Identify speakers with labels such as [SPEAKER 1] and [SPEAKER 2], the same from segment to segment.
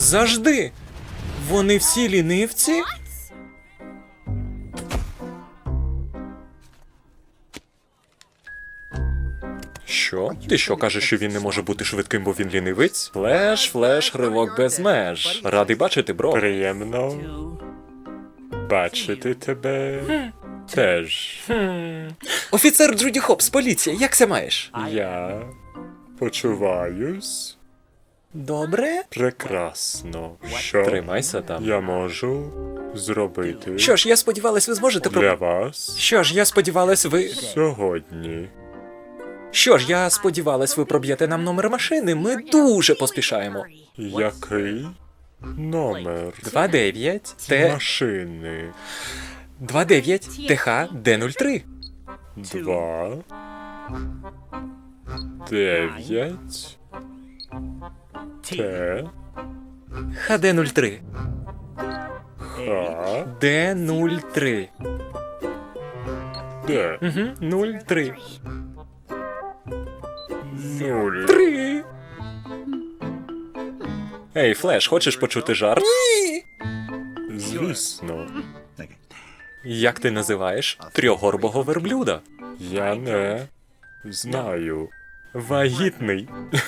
[SPEAKER 1] Завжди! Вони всі лінивці? Що? Ти що кажеш, що він не може бути швидким, бо він лінивець? Флеш, ривок без меж. Радий бачити, бро.
[SPEAKER 2] Приємно бачити тебе теж.
[SPEAKER 1] Офіцер Джуді Хопс, поліція, як це маєш?
[SPEAKER 2] Я почуваюсь
[SPEAKER 1] Добре?
[SPEAKER 2] прекрасно. Що
[SPEAKER 1] Тримайся там.
[SPEAKER 2] я можу зробити
[SPEAKER 1] Що ж, я сподівалась, ви зможете
[SPEAKER 2] для вас
[SPEAKER 1] Що ж, я сподівалась, ви...
[SPEAKER 2] сьогодні?
[SPEAKER 1] Що ж, я сподівалась, ви проб'єте нам номер машини. Ми дуже поспішаємо.
[SPEAKER 2] Який номер
[SPEAKER 1] 29 Т...
[SPEAKER 2] машини?
[SPEAKER 1] 29 ТХ Д03.
[SPEAKER 2] 2 9 Т
[SPEAKER 1] ХД03.
[SPEAKER 2] Х
[SPEAKER 1] Д03.
[SPEAKER 2] Д
[SPEAKER 1] 03.
[SPEAKER 2] 0.
[SPEAKER 1] 3. Ей, Флеш, хочеш почути жарт? Ні!
[SPEAKER 2] Звісно,
[SPEAKER 1] Як ти називаєш трьохгорбого верблюда?
[SPEAKER 2] я не знаю.
[SPEAKER 1] Вагітний.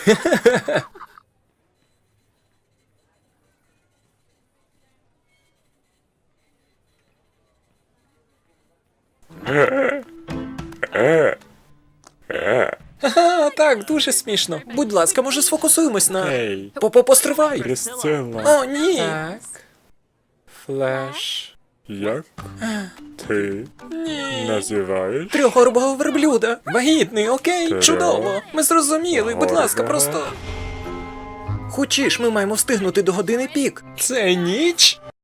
[SPEAKER 1] Ага, так, дуже смішно. Будь ласка, може сфокусуємось на...
[SPEAKER 2] Ей,
[SPEAKER 1] Постривай.
[SPEAKER 2] Присцила,
[SPEAKER 1] О, ні. Так. Флеш.
[SPEAKER 2] як ти називаєш?
[SPEAKER 1] Трьохгорбого верблюда. Вагітний, окей,
[SPEAKER 2] Трьох-
[SPEAKER 1] чудово. Ми зрозуміли, будь ласка,
[SPEAKER 2] горбого.
[SPEAKER 1] просто... Хочеш, ми маємо встигнути до години пік. Це ніч?